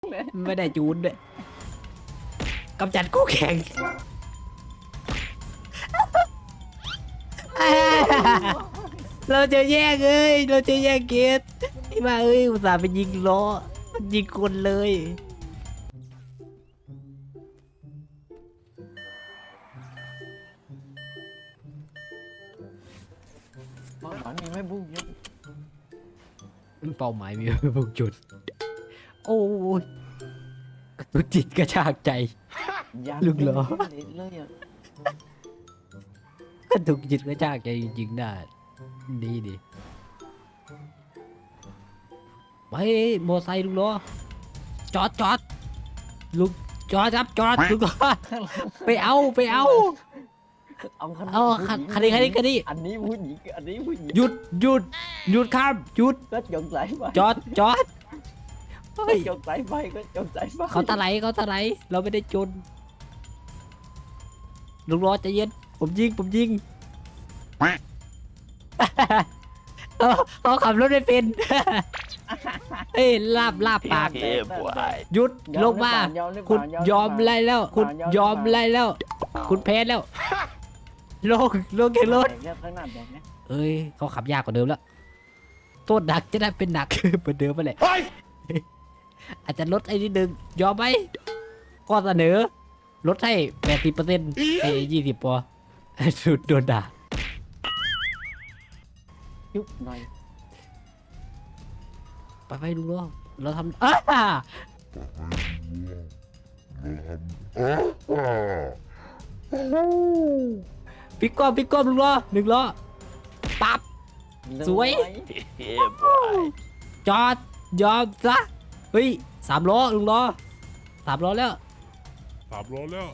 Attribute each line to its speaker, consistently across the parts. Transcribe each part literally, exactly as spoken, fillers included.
Speaker 1: ไม่ได้จูนด้วยกำจัดคู่แข่งเราจะแยกเอ้ยเราจะแยกเกตไอ้บ้าเอ้ยอุตส่าห์ไปยิงล้อยิงคนเลย
Speaker 2: เป้าหมายมีไม่บุ้งยุบ
Speaker 1: เป้าหมายมีพุ่งจุดโอ้ยกระตุกจิตกระชากใจ ลูกเหรอ
Speaker 2: เลยอ่ะ
Speaker 1: กระตุกจิตกระชากใจจริงๆได้ดีดิไปโมอไซค์ลุงล้อจอดจอดลุงจอดครับจอดลุงล้อไปเอาไปเอา
Speaker 2: เอาคัน
Speaker 1: เอาคันคันนี้คันนี้คันนี้
Speaker 2: อันนี้ผู้หญิงอันนี้ผู้หญิง
Speaker 1: หยุดหยุดหยุดครับหยุด
Speaker 2: ก็จงสายไฟ
Speaker 1: จอดจอดเฮ้
Speaker 2: ก็
Speaker 1: ย
Speaker 2: จงสายไฟก็จงสายไฟ
Speaker 1: เขาตะไหลเขาตะไหลเราไม่ได้จนลุงล้อใจเย็นผมยิงผมยิงเขาเขาขับรถไม่เป็นเอ้ยลาบลาบปาก
Speaker 2: เฮ้ยบวย
Speaker 1: หยุดลงมา
Speaker 2: ยอมหรือเป
Speaker 1: คุณ
Speaker 2: ล่าย
Speaker 1: อมไล่แล้ว คุณยอมไล่แล้ว คุณแพ้แล้วลงลงจากรถ
Speaker 2: แดกเนี่ยข้างหน้าแดกเนี่ย
Speaker 1: เอ้ยเขาขับยากกว่าเดิมแล้วโทษหนักจะได้เป็นหนัก เหมือนเดิมไปแหละอาจจะลดไอ้นิดนึงยอมไหมก็เสนอลดให้แปดสิบเปอร์เซ็นต์ไอ้ยี่สิบปอสุดโดนด่า
Speaker 2: ยุบหน่อย
Speaker 1: ไปไปดูล้อเราทำอ้าปิกก้อมปิกก้อมลุงล้อหนึ่งล้อปั๊บ สวย จอดยอมซะเฮ้ยสามล้อลุงล้อสามล้อแล้ว
Speaker 3: สามร้อยแล้ว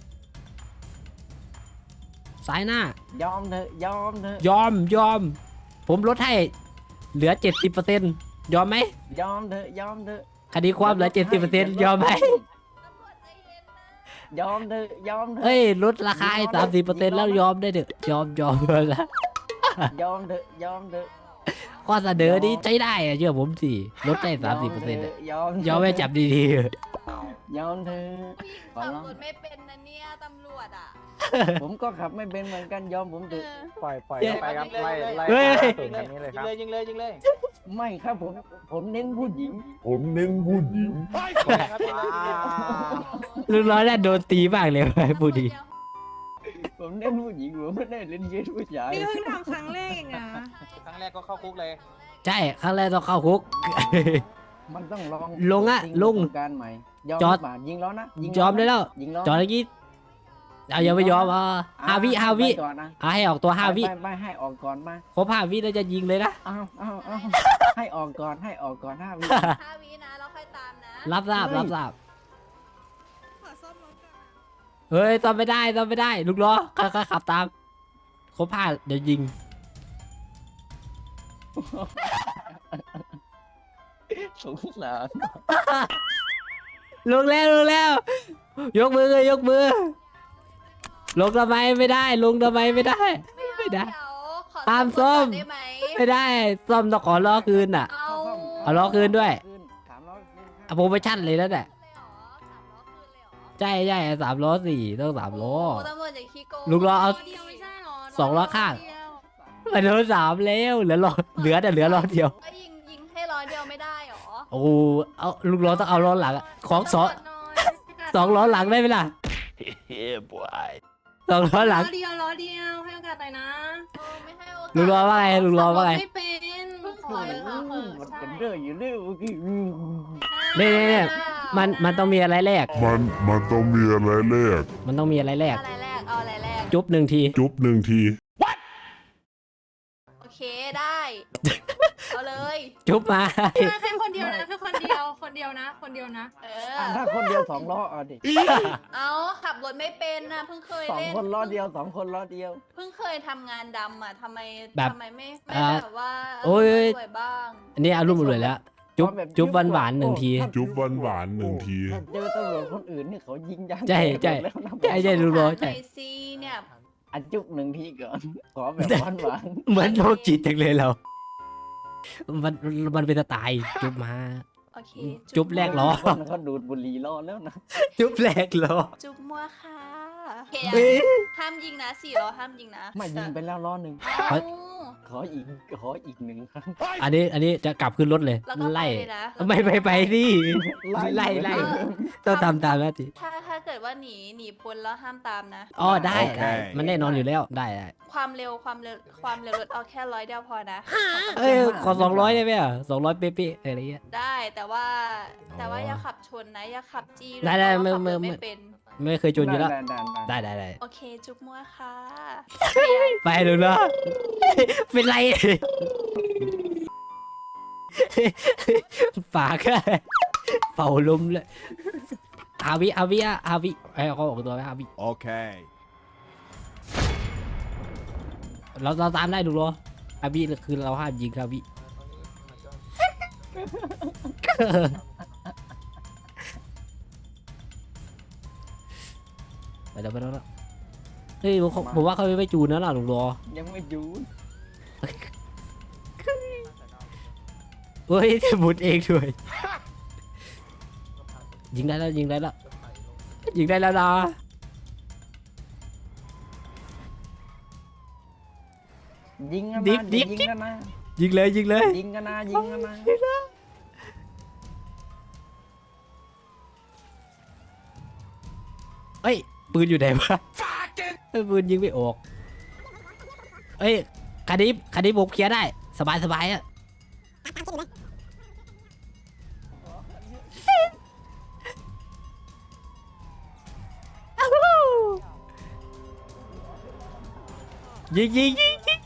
Speaker 1: ซ้ายหน้าย
Speaker 2: อมเถอะยอมเถอะ
Speaker 1: ยอมยอม ผมลดให้เหลือเจ็ดสิบเปอร์เซ็นต์ยอมไหม
Speaker 2: ยอมเถอะยอมเถอะ
Speaker 1: คดีความเหลือเจ็ดสิบเปอร์เซ็นต์ยอมไหม
Speaker 2: ยอมเถอะยอมเถอะ
Speaker 1: เฮ้ยลดราคาให้สามสิบเปอร์เซ็นต์แล้วยอมได้เถอะยอมยอมแล้ว
Speaker 2: ยอมเถอะยอมเถอะ
Speaker 1: ข้อเสนอนี้ใช้ได้อะเชื่อผมสิลดได้สามสิบเปอร์เซ็นต์
Speaker 2: ยอม
Speaker 1: ยอมไม่จับดี
Speaker 2: ยอมเถอะขอ
Speaker 4: ขับ
Speaker 2: ร้อง
Speaker 4: รถไม่เป็นนะเนี่ยตำรวจอ่ะ
Speaker 2: ผมก็ขับไม่เป็นเหมือนกันยอมผมเถอะ
Speaker 5: ปล่อยปล่อยเข้าไปครับไล่ไล่
Speaker 1: เฮ้ย
Speaker 5: สูงคันนี้เลยครับ
Speaker 6: ยิงเลยยิงเลย
Speaker 2: ไม่ครับผมผมเน้นผู้หญิง
Speaker 3: ผมเน้นผู้หญิง
Speaker 6: ครับ
Speaker 1: ๆลุงน้อยน่าโดนตีมากเลยไปพูดดี
Speaker 2: ผมเน้นผู้หญิงผมไม่ได้เล่นเกมผู้ชาย
Speaker 7: นี่เพิ่งทำครั้งแรกเองนะ
Speaker 6: ครั้งแรกก็เข้าคุกเลย
Speaker 1: ใช่ครั้งแรกต้องเข้าคุก
Speaker 2: มันต้องลอง
Speaker 1: ลงอะ
Speaker 2: ทิ้
Speaker 1: ลง
Speaker 2: ประสบการณ์ใหม่ยอม
Speaker 1: จอด
Speaker 2: หรือเปล่ายิงล้อนะยิง
Speaker 1: ยอมได้แล้ว
Speaker 2: ยิงล้อ
Speaker 1: จอดเมื่อกี้เอายังไม่ยอมอ่ะห้าวิห้าวิ
Speaker 2: ไปก่อนนะ
Speaker 1: อ่ะให้ออกตัวห้าวิ
Speaker 2: ไปไปให้ออกก่อนมา
Speaker 1: ครบห้าวิแล้วจะยิงเลยนะ
Speaker 2: อ้าวอ้าวอ้าวให้ออกก่อนให้ออกก่อนห้าวิ
Speaker 4: ห้าวินะแล้วค่อยตามนะ
Speaker 1: รับทราบรับทราบ
Speaker 7: ขอซ่อมรถก่อน
Speaker 1: เฮ้ยตอมไม่ได้ตอมไม่ได้ลูกล้อก็ก็ขับตามครบห้าเดี๋ยวยิง
Speaker 2: สงสาร
Speaker 1: ลงแล้วลงแล้ว ยกมือเลยยกมือ ลงทำไมไม่ได้ ลงทำไมไม่ได้ ไม่ได้
Speaker 4: เดี๋ยวขอ
Speaker 1: ตามส้ม
Speaker 4: รถก่อนได้ไหม
Speaker 1: ไม่ได้ซ่อมต้องขอล้อคืนอ่ะ
Speaker 4: เอา
Speaker 1: เอาล้อคืนด้วย
Speaker 2: สามล้อคืนค
Speaker 1: อะ
Speaker 2: รับ
Speaker 1: โปรโมชั่นเลยแล้วแหละ
Speaker 4: เลยเหรอสามล้อคืนเลยเหรอ
Speaker 1: ใช่ใช่สามล้อสี่ต้องสามล้อ
Speaker 4: โตำรวจอย่าขี้โกง
Speaker 1: ลูกล้อเอา
Speaker 4: เดียวไม่ใช่หรอ
Speaker 1: สองล้อข้าง
Speaker 4: เดียว
Speaker 1: มันโดนสามแล้วเหลือล้อเหลือแต่เหลือล้อเดียว
Speaker 4: ก็ยิงยิงให้ล้อเดียวไม่ได้หรอ
Speaker 1: โอ้เอาลูกล้อต้องเอาล้อหลังอะของสอง
Speaker 4: ตำรวจหน่อย
Speaker 1: สองล้อหลังได้ไหมล่ะ
Speaker 6: เฮ้ยบวย
Speaker 1: สองล้อหลัง
Speaker 7: ล้อเดียวล้อเดียวให้โอกาสหน่อยนะ
Speaker 4: เออไม่ให้โอกาส
Speaker 1: ลุงล้อว่าไงลุงล้อว่าไง
Speaker 7: ไม่เป็นขอเลยค่ะเออ
Speaker 2: มัน
Speaker 7: ใช่
Speaker 2: เป็นเรื่องอยู่เรื่องเมื่อกี้อืม
Speaker 1: เนี่ยเนี่ยเนี่ยมันมันต้องมีอะไรแรก
Speaker 3: มันมันต้องมีอะไรแรก
Speaker 1: มันต้องมีอะไรแรก
Speaker 4: อะไรแรกเอาอะไรแรก
Speaker 1: จุ๊บหนึ่งที
Speaker 3: จุ๊บหนึ่งที
Speaker 4: โอเคได้เอาเลย
Speaker 1: จุ๊บมา
Speaker 7: แค่คนเดียวนะแค่คนเดียวคนเดียวนะ คนเดียวนะ
Speaker 4: เอ
Speaker 2: อ่ะ
Speaker 4: อ
Speaker 2: ถ้าคนเดียวสองล้อเอาดิ
Speaker 4: เอาขับรถไม่เป็นนะเพิ่งเคย
Speaker 2: สอง
Speaker 4: เล่น
Speaker 2: คนล้อเดียวสองคนล้อเดียว
Speaker 4: เพิ่งเคยทำงานดำอ่ะทำไม
Speaker 1: แบบ
Speaker 4: ทำไมไม่ไม่
Speaker 1: อ่า
Speaker 4: แบบว่า
Speaker 1: โอ้ย
Speaker 4: สวยบ้าง
Speaker 1: อันนี้อารมณ์รวยแล้ว จุ๊บจุ๊บหวานหวานๆหนึ่งที
Speaker 3: จุ๊บหวานหวานๆหนึ่งที
Speaker 2: ถ้าเจอตำรวจคนอื่นนี่เขายิงยาง
Speaker 1: ใช่ใช่
Speaker 2: แตกหมดแล้วนะ
Speaker 1: ใช่ใช่ลุงล้อ
Speaker 4: ห
Speaker 1: ใช่
Speaker 4: น่อยซีเนี่ย
Speaker 2: อันจุ๊บหนึ่งทีก่อน ขอแบบหวานหวาน
Speaker 1: เหมือนโรคจิตจังเลยเรา มันมันเป็นสไตล์จุ๊บมา
Speaker 4: โอเค
Speaker 1: จุ๊บแรกเหรอ
Speaker 2: คนเขาดูดบุหรี่รอแล้วนะ
Speaker 1: จุ๊บแรกเหรอ
Speaker 4: จุ๊บมัวค่ะโอเค
Speaker 1: เอ้ย
Speaker 4: ห้ามยิงนะสี่ล้อห้ามยิงนะ
Speaker 2: ไม่ยิงไปแล้วล้อหนึ่ง
Speaker 4: เอ้า
Speaker 2: ขออีกขออีกหนึ่งครั้ง
Speaker 1: อันนี้อันนี้จะกลับขึ้นรถเลย
Speaker 4: แล้วก็
Speaker 1: ไล่
Speaker 4: ไปเลยนะ
Speaker 1: ไม่ไปไปดิไล่ไล่
Speaker 4: เออ
Speaker 1: ต้องทำตามหน้าที่
Speaker 4: ถ้าถ้าเกิดว่าหนีหนีพ้นแล้วห้ามตามนะ
Speaker 1: อ๋อได้
Speaker 3: โอเค
Speaker 1: ได้มันแน่นอนอยู่แล้วได้ได้
Speaker 4: ความเร็วความเร็วความเร็วรถเอาแค่ร้อยเดียวพอนะ
Speaker 1: เอ้ยขอสองร้อยได้ไหมอ่ะสองร้อยเป๊ะๆอะไรเงี้ย
Speaker 4: ได้แต่ว่า
Speaker 1: อ๋อ
Speaker 4: แต่ว่าอย่าขับชนนะอย่าขับจี้
Speaker 1: ได้ได้
Speaker 4: เพราะว่า
Speaker 1: ไม่
Speaker 4: ขับรถ
Speaker 1: ไม่
Speaker 4: ไม่เป็น
Speaker 1: ไม่เคยจนอยู่แล้ว
Speaker 2: ได้ได้ได้
Speaker 1: ได้ได้ได้
Speaker 4: โอเค จุ๊บมัวค่ะ
Speaker 1: ไปดูนะเป็นไรปากอะเป่าลมเลยอาวิอาวิอะอาวิไอ้เขาบอกตัวไหมอาวิ
Speaker 3: Okay.
Speaker 1: เราเราตามได้ดูเหรออาวิคือเราห้ามยิงอาวิไปแล้วไปแล้วนะเฮ้ยผมผมว่าเขาไม่จูนนะล่ะลุงรอ
Speaker 2: ยังไม่หยุด
Speaker 1: เฮ้ยจะหมุนเองด้วยยิงได้แล้วยิงได้แล้วยิงได้แล้วนะ
Speaker 2: ยิงกัน
Speaker 1: ดิ
Speaker 2: นะ
Speaker 1: บดิบ
Speaker 2: ยิงกันนะ
Speaker 1: ยิงเลยยิงเลย
Speaker 2: ยิงกันนะยิงกันนะ
Speaker 1: เอ้ยปืนอยู่ไหนวะเอ้ยปืนยิงไม่ออกเอ้ยคันนี้คันนี้ผมเคลียร์ได้สบายสบายอะยิงยิงยิงยิง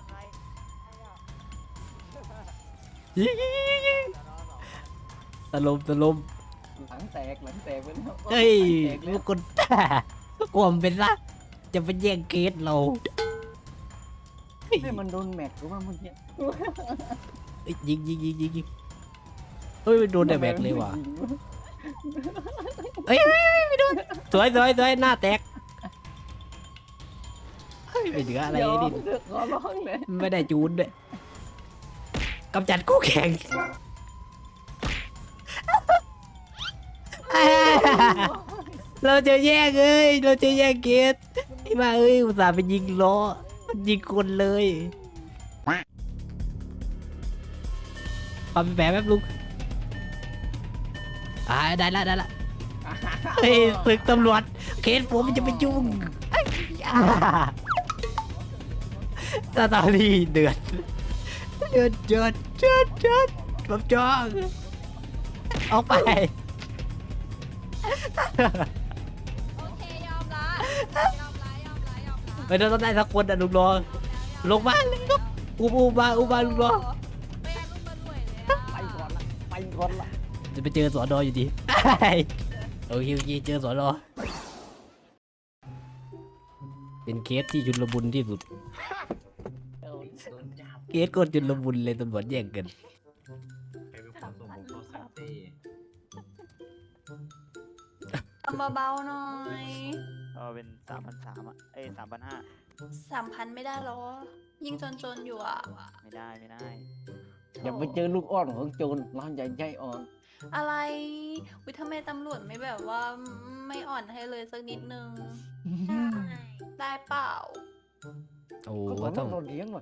Speaker 1: ยิงยิงยิงยิงตะลมตะลม
Speaker 2: หลังแตกหลังแตกไปแล้ว
Speaker 1: เฮ้ย
Speaker 2: หลังแตกแล้
Speaker 1: ลู
Speaker 2: ว
Speaker 1: กคนกลัวมันเป็นละจะไปแย่งเกสเราเฮ้ย
Speaker 2: ให้มันโดนแม็กหรือว่าเมื่อกี้
Speaker 1: เอ้ยยิงยิงยิงยิงยิงเฮ้ยโดนแต่แบกเลยว่ะเฮ้ยเฮ้ยเฮ้ยไม่โดนสวยสวยสวยหน้าแตกเฮ้ยไม่เหลืออะไร
Speaker 2: ยอม
Speaker 1: นี่
Speaker 2: เถอะขอร้องเลย
Speaker 1: ไม่ได้จูนด้วยกำจัดคู่แข่งเราจะแย่งเอ้ยเราจะแย่งเกสไอ้มาเอ้ยอุตส่าห์ไปยิงล้อมันยิงคนเลยปั๊มแผลแป๊บลุงอ่าได้ละได้ละเฮ้ยตึกตำรวจเคสผมมันจะไปยุ่งอ่าสตอรี่เดือดเดือดเดือดเดือดเดือดผมจองออกไป
Speaker 4: โอเคยอมละยอมละยอมละยอมละ
Speaker 1: ไม่ต้องได้สักคนอ่ะลุงรอลงมาเลยครับอุบอุบมาอุบมาลุงรอ
Speaker 4: ไม่เอาลูกมารวยเลยอะ
Speaker 2: ไปก่อนละไปก่อนละ
Speaker 1: จะไปเจอสอนออยู่ดีโอเคโอเคเจอสอนอเป็นเคสที่ชุลมุนที่สุดเคสก็ชุลมุนเลยตำรวจแย่งกัน
Speaker 4: ทำเบาๆหน่อย
Speaker 5: เออเป็นสามพันสามอ่ะ เอ้ยสามพันห้า
Speaker 4: สามพันไม่ได้หรอ ยิ่งจนๆอยู่อ่ะ
Speaker 5: ไม่ได้ไม่ได้
Speaker 2: อย่าไปเจอลูกอ้อนของโจรเราอย่าใจอ่อน
Speaker 4: อะไรวิทำไมตำรวจไม่แบบว่าไม่อ่อนให้เลยสักนิดนึง ได้เปล่า
Speaker 1: โอ้
Speaker 2: ก็
Speaker 1: ต้อง
Speaker 2: เราเลี้ยงหน่อย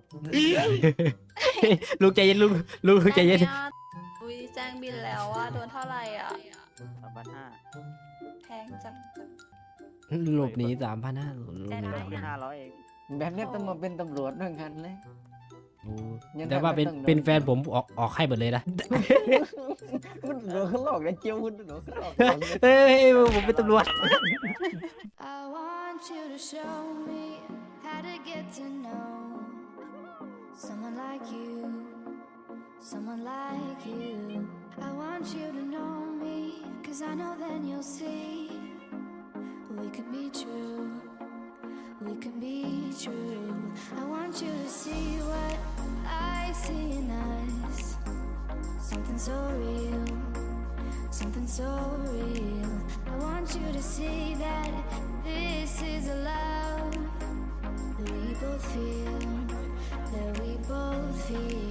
Speaker 1: ลุงใจเย็นลุงลุงใจเย็น
Speaker 4: ได้ไหมอะอุ้ยแจ้งบินแล้วว่าโดนเท่าไหร่อ่ะ
Speaker 5: สามพันห้า
Speaker 4: แพงจัง
Speaker 1: หลบหนีสามพันห้า
Speaker 4: ได้ได้
Speaker 5: แค่ห้าร้อยเอง
Speaker 2: แบบนี้ต้องมาเป็นตำรวจด้วยกันเลย
Speaker 1: แต่ว่าเป็นเป็นแฟนผมออกออกให้หมดเลยนะ
Speaker 2: มันโดนเขาหลอกนะเจียวมันโดนเขาหลอก
Speaker 1: เฮ้ยผมเป็นตำรวจ
Speaker 8: I want you to show me how to get to know someone like you, someone like you. I want you to know me, cause I know then you'll see we can be true, we can be true. I want you to see what I see in us, something so real, something so real. I want you to see that this is a love that we both feel, that we both feel.